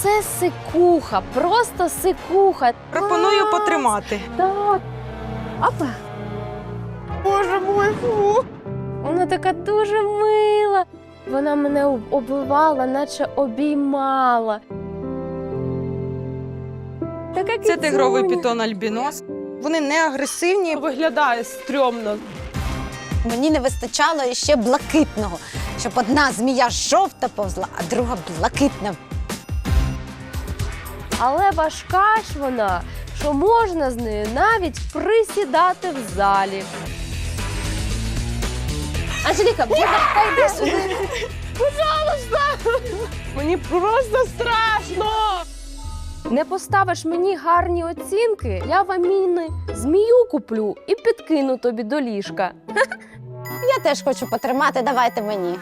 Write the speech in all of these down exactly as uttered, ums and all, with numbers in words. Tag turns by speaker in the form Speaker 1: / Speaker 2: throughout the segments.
Speaker 1: це сикуха, просто сикуха.
Speaker 2: Пропоную
Speaker 1: Клас!
Speaker 2: потримати.
Speaker 1: Так. Опа. Боже мой, фу. Вона така дуже мила. Вона мене об- обвивала, наче обіймала. Така
Speaker 2: Це
Speaker 1: кицюня.
Speaker 2: тигровий пітон альбінос. Вони не агресивні.
Speaker 3: Виглядає стрьомно.
Speaker 4: Мені не вистачало іще блакитного, щоб одна змія жовта повзла, а друга блакитна.
Speaker 1: Але важка ж вона, що можна з нею навіть присідати в залі. Анжеліка, будь ласка, йди сюди. Пожалуйста!
Speaker 3: Мені просто страшно!
Speaker 1: Не поставиш мені гарні оцінки, я в Аміни змію куплю і підкину тобі до ліжка.
Speaker 4: Я теж хочу потримати, давайте мені.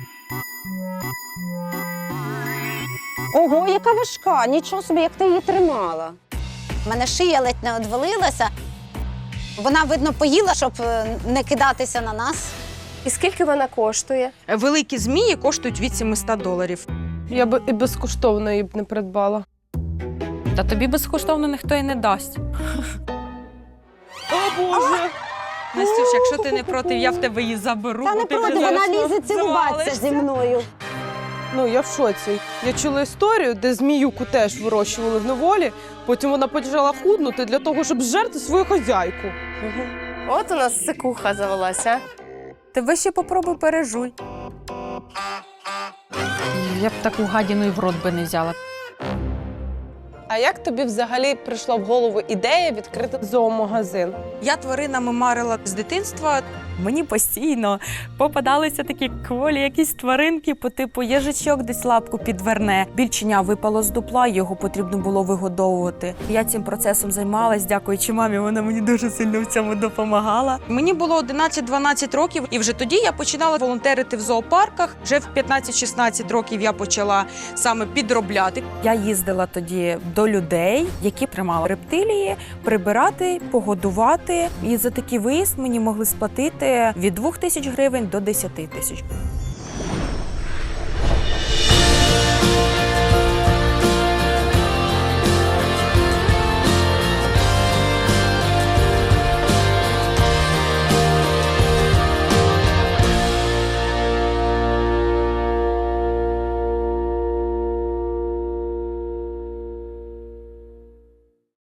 Speaker 4: Ого, яка важка, нічого собі, як ти її тримала. У мене шия ледь не одвалилася. Вона, видно, поїла, щоб е, не кидатися на нас.
Speaker 1: І скільки вона коштує?
Speaker 2: Великі змії коштують від сімсот доларів.
Speaker 3: Я б і безкоштовно її б не придбала.
Speaker 5: Та тобі безкоштовно ніхто і не дасть.
Speaker 3: О, Боже!
Speaker 2: Настюш, якщо ти не проти, я в тебе її заберу.
Speaker 4: Та
Speaker 2: бо
Speaker 4: не
Speaker 2: ти
Speaker 4: проти,
Speaker 2: вже
Speaker 4: вона
Speaker 2: зараз
Speaker 4: лізе цілуватися
Speaker 2: завалишся.
Speaker 4: зі мною.
Speaker 3: Ну, я в шоці. Я чула історію, де зміюку теж вирощували в неволі, потім вона почала худнути для того, щоб зжерти свою хазяйку.
Speaker 1: От у нас сикуха завелася.
Speaker 5: Тебе ще попробуй пережуй. Я б таку гадіну і в рот би не взяла.
Speaker 3: А як тобі взагалі прийшла в голову ідея відкрити зоомагазин?
Speaker 2: Я тваринами марила з дитинства.
Speaker 5: Мені постійно попадалися такі кволі якісь тваринки по типу їжачок десь лапку підверне. Більченя випало з дупла, його потрібно було вигодовувати. Я цим процесом займалась, дякуючи мамі, вона мені дуже сильно в цьому допомагала.
Speaker 2: Мені було одинадцять-дванадцять років, і вже тоді я починала волонтерити в зоопарках. Вже в п'ятнадцять-шістнадцять років я почала саме підробляти.
Speaker 5: Я їздила тоді до людей, які тримали рептилії, прибирати, погодувати. І за такий виїзд мені могли сплатити від двох тисяч гривень до десяти тисяч.